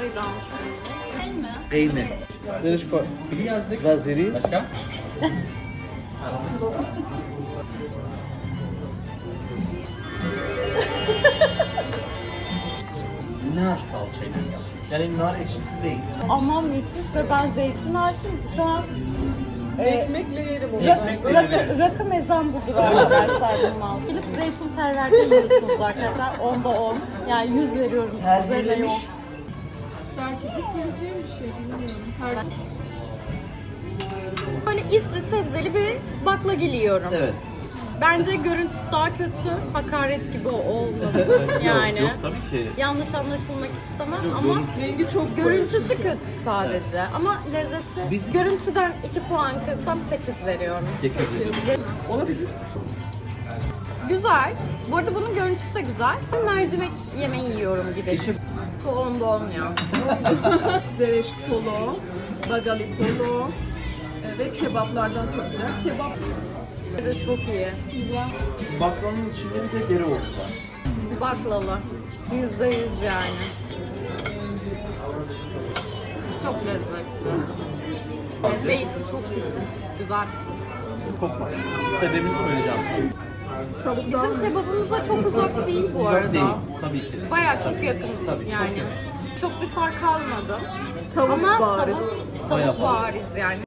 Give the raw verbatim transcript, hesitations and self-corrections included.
kadarıyla almış. Değil mi? Peynir. Zırışko. Biri yazdık. Vaziri. Başka? Nar salçayla yap. Yani nar ekşisi değil. Ama müthiş ve ben zeytin aşığım. Şu an e, Ekmekle yerim onu. Ekmekle rakı, yeriz. rakı mezan budur arkadaşlar bundan. Gidip zeytin perverde yiyorsunuz arkadaşlar. Onda on. Yani yüz veriyorum. Üzerine yok. Belki de seveceğim bir şey bilmiyorum. Her Böyle isli sebzeli bir baklagil yiyorum. Evet. Bence görüntüsü daha kötü. Hakaret gibi olmadı yani. Yok, yok tabii ki. Yanlış anlaşılmak istemem Yok, ama görüntüsü- rengi çok görüntüsü kötü sadece. Ama lezzeti Biz- görüntüden iki puan kırsam sekiz veriyorum. Yakabilirim. Olabilir. Güzel. Bu arada bunun görüntüsü de güzel. Mercimek yemeği yiyorum gibi. İşte Bu onda on ya. zereş polo, bagali polo e, ve kebaplardan tadacak. Kebap Bu da çok iyi. güzel. baklavanın içinde bir de dereotu var. Baklava. Yüzde yüz yani. Çok lezzetli. Evet, ve içi çok pişmiş. Güzel pişmiş. Kokmaz. Sebebini söyleyeceğim sana. Tavuktan Bizim kebabımıza çok uzak değil bu Uzak arada. değil. Tabii ki. Bayağı çok yakın Tabii, çok yani. yakın. Çok bir fark kalmadı. Tavuk Ama bariz. tavuk, Bayağı tavuk bariz yani.